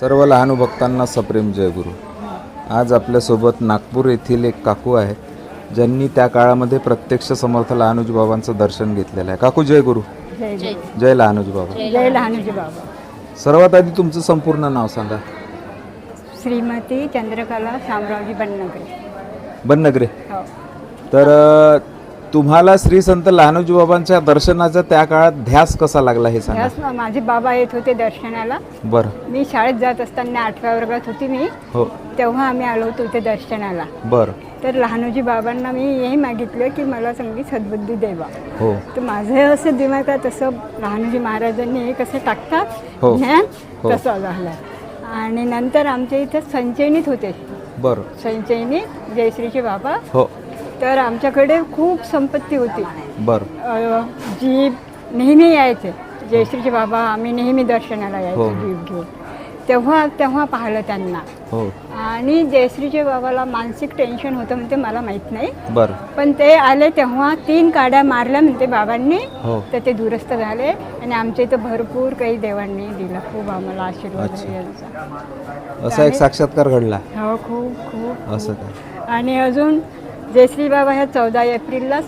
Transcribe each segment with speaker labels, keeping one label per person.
Speaker 1: सर्व लहान भक्तांना सप्रेम जय गुरु। आज आपल्यासोबत नागपूर येथील एक काकू आहेत ज्यांनी त्या काळामध्ये प्रत्यक्ष समर्थ लहानोजी बाबांचं दर्शन घेतलेलं आहे। काकू जय गुरु।
Speaker 2: जय
Speaker 1: जय लहानोजी बाबा।
Speaker 2: जय लहानोजी बाबा।
Speaker 1: सर्वात आधी तुमचं संपूर्ण नाव सांगा।
Speaker 2: श्रीमती चंद्रकला शामरावजी बननगरे।
Speaker 1: बननगरे।
Speaker 2: हो।
Speaker 1: तर तुम्हाला श्री संत लहानोजी बाबांच्या दर्शनाचा त्या काळात ध्यास कसा लागला हे सांगा।
Speaker 2: ध्यास माझे बाबा येत होते दर्शनाला।
Speaker 1: बरं।
Speaker 2: मी शाळेत जात असताना 8व्या वर्गात होती मी।
Speaker 1: हो।
Speaker 2: तेव्हा आम्ही आलो होतो ते दर्शनाला।
Speaker 1: बरं।
Speaker 2: तर लहानोजी बाबांना मी हेही मागितलं की मला चांगली सद्बुद्धी द्यावा।
Speaker 1: हो।
Speaker 2: तर माझं असं दिमागात असं लहानोजी महाराजांनी हे कसं टाकतात ज्ञान तसं झालं। आणि नंतर आमच्या इथे संचयनीत होते।
Speaker 1: बरं।
Speaker 2: संचयनीत जयश्रीचे बाबा।
Speaker 1: हो।
Speaker 2: तर आमच्याकडे खूप संपत्ती होती।
Speaker 1: बरं।
Speaker 2: जीप नेहमी यायचे जयश्रीचे बाबा, आम्ही नेहमी दर्शनाला यायचो जीप घेऊन। तेव्हा पाहिलं त्यांना।
Speaker 1: हो।
Speaker 2: आणि जयश्रीचे बाबाला मानसिक टेन्शन होतं म्हणते, मला माहीत नाही।
Speaker 1: बरं।
Speaker 2: पण ते आले तेव्हा 3 काड्या मारल्या म्हणते बाबांनी।
Speaker 1: हो।
Speaker 2: तर ते दुरुस्त झाले आणि आमच्या इथं भरपूर काही देवांनी दिला, खूप आम्हाला आशीर्वाद यांचा।
Speaker 1: असा एक साक्षात्कार घडला।
Speaker 2: हो, खूप खूप
Speaker 1: असं काय?
Speaker 2: आणि अजून जयश्री बाबा ह्या 14 एप्रिललाच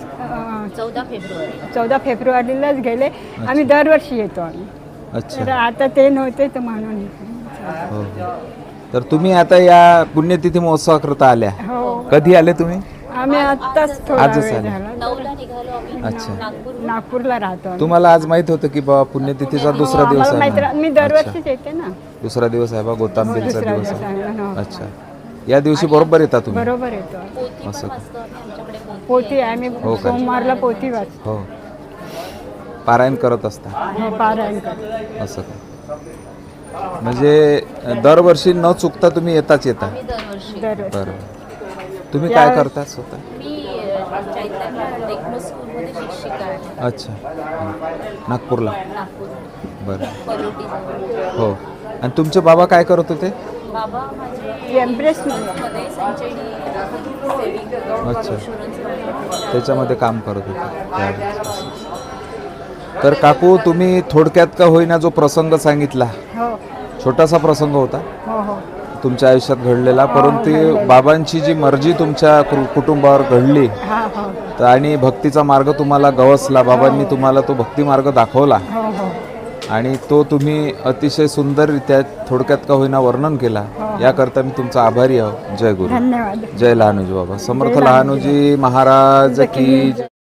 Speaker 2: 14 फेब्रुवारीलाच गेले। आम्ही दरवर्षी येतो आम्ही।
Speaker 1: अच्छा।
Speaker 2: तर आता ते नव्हते तर म्हणून।
Speaker 1: हो। तर तुम्ही आता या पुण्यतिथी महोत्सवाकरता आल्या।
Speaker 2: हो।
Speaker 1: कधी आले तुम्ही?
Speaker 2: आम्ही आत्ताच थोडा
Speaker 1: आजच
Speaker 2: वेळ
Speaker 1: आले।
Speaker 2: झाला।
Speaker 3: 9ला निघालो आम्ही।
Speaker 1: अच्छा।
Speaker 2: नागपूरला राहतो आम्ही।
Speaker 1: तुम्हाला आज माहित होतं की बाबा पुण्यतिथीचा दुसरा
Speaker 2: हो,
Speaker 1: दिवस
Speaker 2: आम्हाला
Speaker 1: आहे
Speaker 2: माहिती
Speaker 1: ना?
Speaker 2: राहत- मी दरवर्षीच येते ना।
Speaker 1: दुसरा दिवस आहे बा, गोतांबीलचा
Speaker 2: दुसरा
Speaker 1: दिवस
Speaker 2: दिवस
Speaker 1: आहे।
Speaker 2: आहे ना, हो.
Speaker 1: अच्छा। या दिवशी बरोबर येता तुम्ही?
Speaker 2: बरोबर येतो।
Speaker 3: पोथी
Speaker 1: असं
Speaker 3: पण
Speaker 1: का?
Speaker 3: वाचतो आम्ही, आमच्याकडे
Speaker 2: पोथी आम्ही
Speaker 1: हो का?
Speaker 2: सोमवारला पोथी वाचतो।
Speaker 1: हो। पारायण करत असता
Speaker 2: हो, पारायण करतो।
Speaker 1: असं का? म्हणजे दरवर्षी न चुकता तुम्ही येताच येता?
Speaker 3: आम्ही दरवर्षी।
Speaker 2: दरवर्षी।
Speaker 1: बरं। तुम्ही काय करता स्वतः?
Speaker 3: मी आमच्या इथल्या टेक्नो स्कूलमध्ये शिक्षिका आहे।
Speaker 1: अच्छा। नागपूरला?
Speaker 3: नागपूर
Speaker 1: बरं।
Speaker 3: पलोटी।
Speaker 1: हो। आणि तुमचे बाबा काय करत होते?
Speaker 3: बाबा माझे
Speaker 2: एम्प्रेस
Speaker 3: मध्ये संचयनी सेविंग
Speaker 1: अच्छा।
Speaker 3: इन्शुरन्स
Speaker 1: त्याच्यामध्ये काम करत होते। तर काकू, तुम्ही थोडक्यात का होईना जो प्रसंग सांगितला,
Speaker 2: हो
Speaker 1: छोटासा प्रसंग होता
Speaker 2: हो हो
Speaker 1: तुमच्या आयुष्यात घडलेला, परंतु बाबांची जी मर्जी तुमच्या कुटुंबावर घडली
Speaker 2: हा हो
Speaker 1: तर आणि भक्तीचा मार्ग तुम्हाला गवसला, बाबांनी तुम्हाला तो भक्ती मार्ग दाखवला
Speaker 2: हो हो
Speaker 1: आणि तो तुम्ही अतिशय सुंदररित्या थोडक्यात का होईना वर्णन केला, याकरता मी तुमचा आभारी आहो। जय गुरु।
Speaker 2: धन्यवाद।
Speaker 1: जय लहानोजी बाबा। समर्थ लहानोजी महाराज की